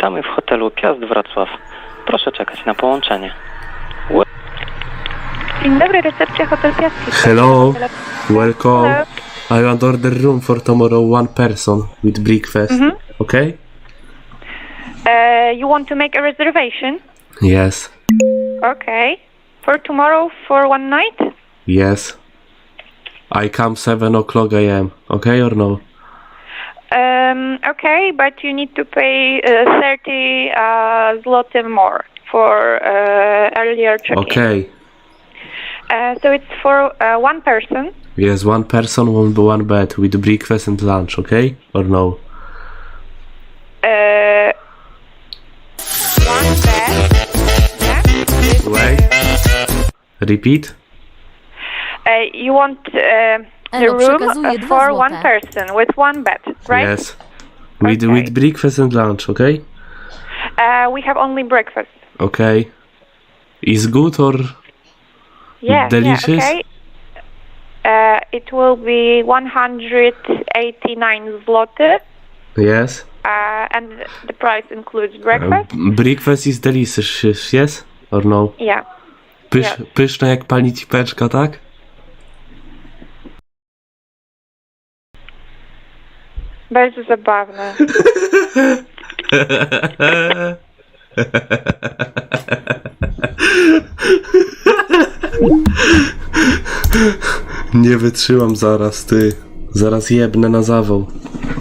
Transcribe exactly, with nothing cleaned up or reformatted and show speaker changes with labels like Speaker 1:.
Speaker 1: Witamy w hotelu Piast Wrocław. Proszę czekać na połączenie.
Speaker 2: Dzień dobry, recepcja Hotel Piast.
Speaker 3: Hello, welcome.
Speaker 2: Hello.
Speaker 3: I want order room for tomorrow, one person with breakfast.
Speaker 2: Mhm.
Speaker 3: Okay?
Speaker 2: Uh, you want to make a reservation?
Speaker 3: Yes.
Speaker 2: Okay. For tomorrow, for one night?
Speaker 3: Yes. I come seven o'clock a m. Okay or no?
Speaker 2: Um, okay, but you need to pay uh, thirty uh, zloty more for uh, earlier check-in.
Speaker 3: Okay.
Speaker 2: Uh, so it's for uh, one person.
Speaker 3: Yes, one person, one, one bed with breakfast and lunch, okay? Or no?
Speaker 2: Uh, one bed. Yeah. With,
Speaker 3: Wait. Repeat?
Speaker 2: Uh, you want uh, the
Speaker 4: Elo,
Speaker 2: room
Speaker 4: przekazuję dwa
Speaker 2: for
Speaker 4: złote.
Speaker 2: one person with one bed, right?
Speaker 3: Yes. With,
Speaker 2: Okay.
Speaker 3: with breakfast and lunch, okay?
Speaker 2: Uh, we have only breakfast.
Speaker 3: Okay. Is good or
Speaker 2: Yeah,
Speaker 3: delicious?
Speaker 2: yeah, okay. Uh, it will be one hundred eighty-nine zloty,
Speaker 3: Yes.
Speaker 2: uh, and the price includes breakfast.
Speaker 3: Uh, breakfast is delicious, yes? Or no?
Speaker 2: Yeah.
Speaker 3: Pysz,
Speaker 2: Yes.
Speaker 3: Pyszne jak pani cipeczka, tak?
Speaker 2: Bardzo zabawne.
Speaker 3: Nie wytrzymam zaraz, ty. Zaraz jebnę na zawał.